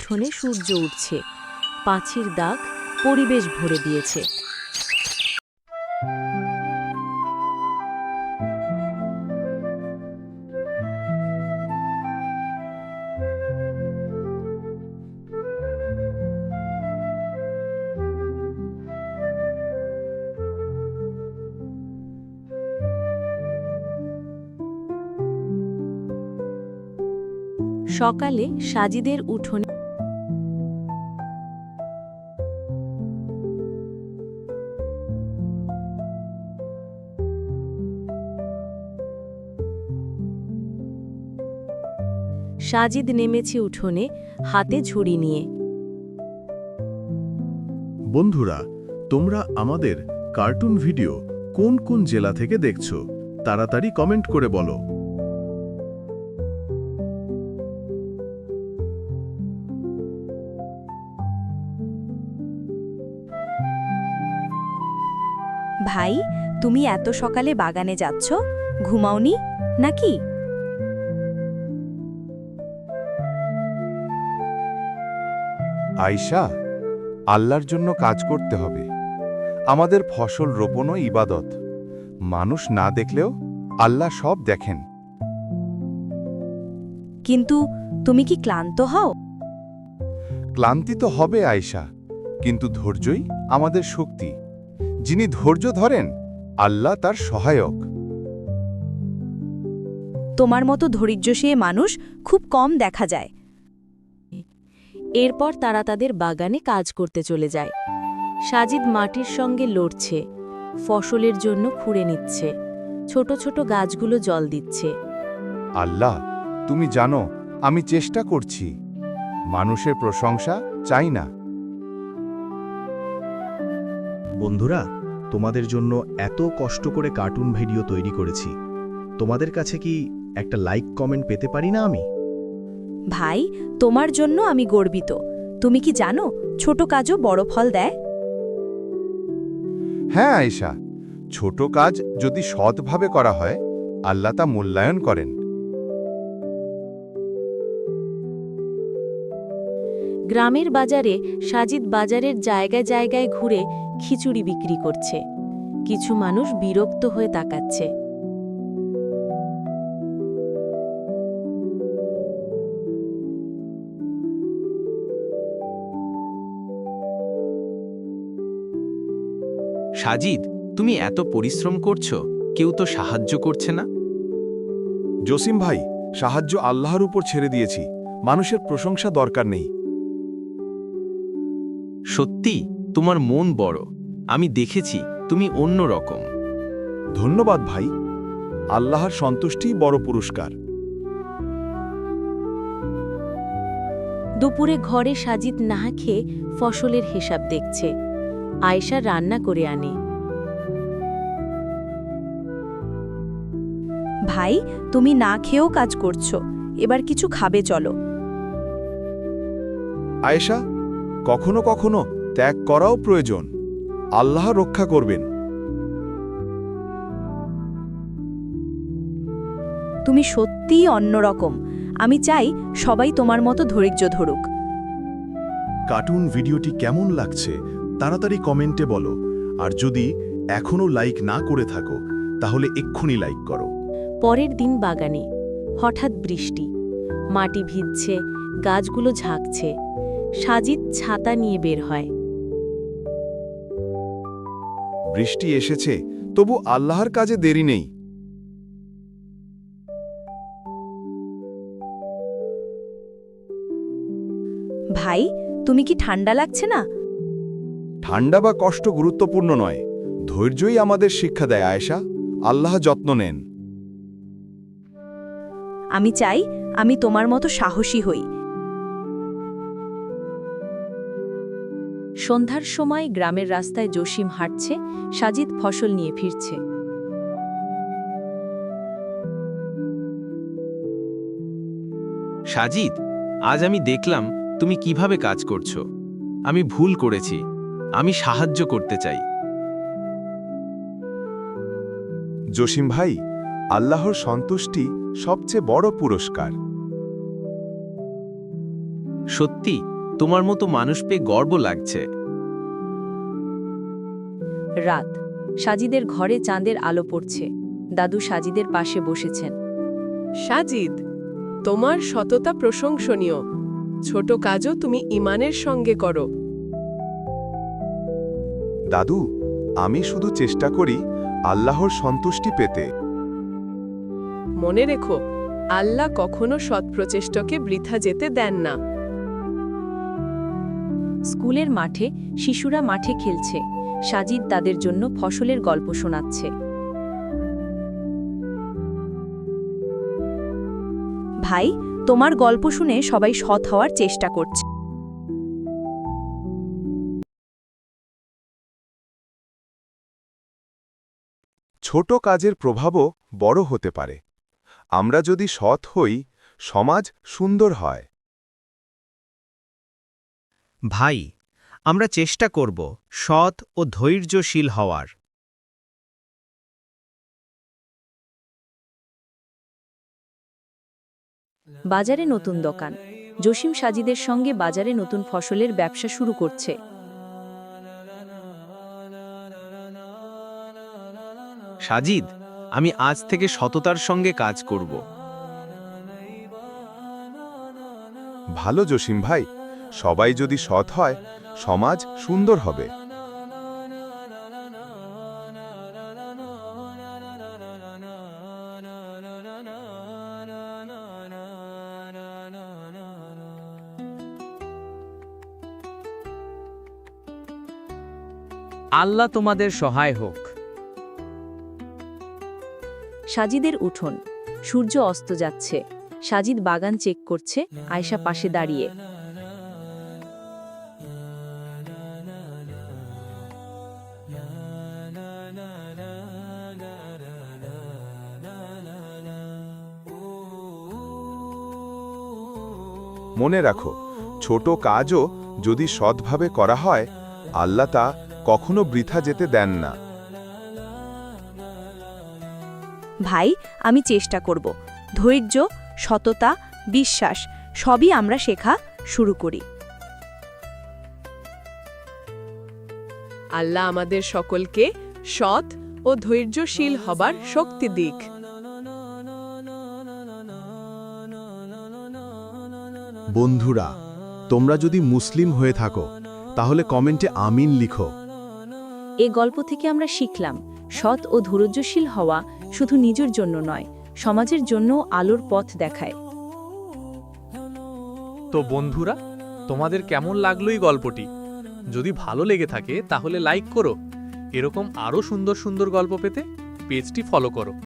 উঠোনে সূর্য উঠছে, পাখির ডাক পরিবেশ ভরে দিয়েছে। সকালে সাজিদের উঠোনে সাজিদ নেমেছে উঠোনে, হাতে ঝুড়ি নিয়ে। বন্ধুরা, তোমরা আমাদের কার্টুন ভিডিও কোন কোন জেলা থেকে দেখছো তাড়াতাড়ি কমেন্ট করে বলো। ভাই, তুমি এত সকালে বাগানে যাচ্ছ, ঘুমাওনি নাকি? আয়শা, আল্লাহর জন্য কাজ করতে হবে। আমাদের ফসল রোপণও ইবাদত। মানুষ না দেখলেও আল্লাহ সব দেখেন। কিন্তু তুমি কি ক্লান্ত হও? ক্লান্তি তো হবে আয়শা, কিন্তু ধৈর্যই আমাদের শক্তি। যিনি ধৈর্য ধরেন, আল্লাহ তার সহায়ক। তোমার মতো ধৈর্যশীল মানুষ খুব কম দেখা যায়। এরপর তারা তাদের বাগানে কাজ করতে চলে যায়। সাজিদ মাটির সঙ্গে লড়ছে, ফসলের জন্য খুঁড়ে নিচ্ছে, ছোট ছোট গাছগুলো জল দিচ্ছে। আল্লাহ, তুমি জানো আমি চেষ্টা করছি। মানুষের প্রশংসা চাই না। বন্ধুরা, তোমাদের জন্য এত কষ্ট করে কার্টুন ভিডিও তৈরি করেছি, তোমাদের কাছে কি একটা লাইক কমেন্ট পেতে পারি না আমি? ভাই, তোমার জন্য আমি গর্বিত। তুমি কি জানো ছোট কাজও বড় ফল দেয়? হ্যাঁ আয়শা, ছোট কাজ যদি সৎভাবে করা হয়, আল্লাহ তা মূল্যায়ন করেন। গ্রামের বাজারে সাজিদ বাজারের জায়গায় জায়গায় ঘুরে খিচুড়ি বিক্রি করছে। কিছু মানুষ বিরক্ত হয়ে তাকাচ্ছে। সাজিদ, তুমি এত পরিশ্রম করছো, কেউ তো সাহায্য করছে না। জসিম ভাই, সাহায্য আল্লাহর উপর ছেড়ে দিয়েছি। মানুষের প্রশংসা দরকার নেই। সত্যি তোমার মন বড়। আমি দেখেছি তুমি অন্য রকম। ধন্যবাদ ভাই। আল্লাহর সন্তুষ্টিই বড় পুরস্কার। দুপুরে ঘরে সাজিদ না খেয়ে ফসলের হিসাব দেখছে। আয়েশা রান্না করে আনে। ভাই, তুমি না খেয়েও কাজ করছো, এবার কিছু খাবে চলো। আয়েশা, কখনো কখনো ত্যাগ করাও প্রয়োজন। আল্লাহ রক্ষা করবেন। তুমি সত্যিই অন্যরকম। আমি চাই সবাই তোমার মতো ধৈর্য ধরুক। কার্টুন ভিডিওটি কেমন লাগছে তাড়াতাড়ি কমেন্টে বলো। আর যদি এখনো লাইক না করে থাকো, তাহলে এক্ষুনি লাইক করো। পরের দিন বাগানে হঠাৎ বৃষ্টি, মাটি ভিজছে, গাছগুলো ঝাঁকছে। সাজিদ ছাতা নিয়ে বের হয়। বৃষ্টি এসেছে, তবু আল্লাহর কাজে দেরি নেই। ভাই, তুমি কি ঠান্ডা লাগছে না? ঠান্ডা বা কষ্ট গুরুত্বপূর্ণ নয়, ধৈর্যই আমাদের শিক্ষা দেয় আয়েশা। আল্লাহ যত্ন নেন। আমি চাই আমি তোমার মতো সাহসী হই। সন্ধ্যার সময় গ্রামের রাস্তায় জসিম হাঁটছে, সাজিদ ফসল নিয়ে ফিরছে। সাজিদ, আজ আমি দেখলাম তুমি কিভাবে কাজ করছো। আমি ভুল করেছি, আমি সাহায্য করতে চাই। জসিম ভাই, আল্লাহর সন্তুষ্টি সবচেয়ে বড় পুরস্কার। সত্যি তোমার মতো মানুষ পেয়ে গর্ব লাগছে। রাত, সাজিদের ঘরে চাঁদের আলো পড়ছে। দাদু সাজিদের পাশে বসেছেন। সাজিদ, তোমার সততা প্রশংসনীয়। ছোট কাজও তুমি ঈমানের সঙ্গে করো। দাদু, আমি শুধু চেষ্টা করি আল্লাহর সন্তুষ্টি পেতে। মনে রেখো, আল্লাহ কখনো সৎপ্রচেষ্টকে বৃথা যেতে দেন না। স্কুলের মাঠে শিশুরা মাঠে খেলছে। সাজিদ তাদের জন্য ফসলের গল্প শোনাচ্ছে। ভাই, তোমার গল্প শুনে সবাই সৎ হওয়ার চেষ্টা করছে। ছোট কাজের প্রভাবও বড় হতে পারে। আমরা যদি সৎ হই, সমাজ সুন্দর হয়। ভাই, আমরা চেষ্টা করব সৎ ও ধৈর্যশীল হওয়ার। বাজারে নতুন দোকান। জসিম সাজিদের সঙ্গে বাজারে নতুন ফসলের ব্যবসা শুরু করছে। সাজিদ, আমি আজ থেকে সততার সঙ্গে কাজ করব। ভালো জসিম ভাই, সবাই যদি সৎ হয়, সমাজ সুন্দর হবে। আল্লাহ তোমাদের সহায় হোক। সাজিদের উঠোন। সূর্য অস্ত যাচ্ছে। সাজিদ বাগান চেক করছে, আয়শা পাশে দাঁড়িয়ে। মনে রাখো, ছোট কাজও যদি সৎভাবে করা হয়, আল্লাহ তা কখনো বৃথা যেতে দেন না। ভাই, আমি চেষ্টা করব। ধৈর্য, সততা, বিশ্বাস সবই আমরা শেখা শুরু করি। আল্লাহ আমাদের সকলকে সৎ ও ধৈর্যশীল হবার শক্তি দিক। বন্ধুরা, তোমরা যদি মুসলিম হয়ে থাকো তাহলে কমেন্টে আমিন লিখো। এ গল্প থেকে আমরা শিখলাম, সৎ ও ধৈর্যশীল হওয়া শুধু নিজের জন্য নয়, সমাজের জন্য আলোর পথ দেখায়। তো বন্ধুরা, তোমাদের কেমন লাগলো এই গল্পটি? যদি ভালো লেগে থাকে তাহলে লাইক করো। এরকম আরও সুন্দর সুন্দর গল্প পেতে পেজটি ফলো করো।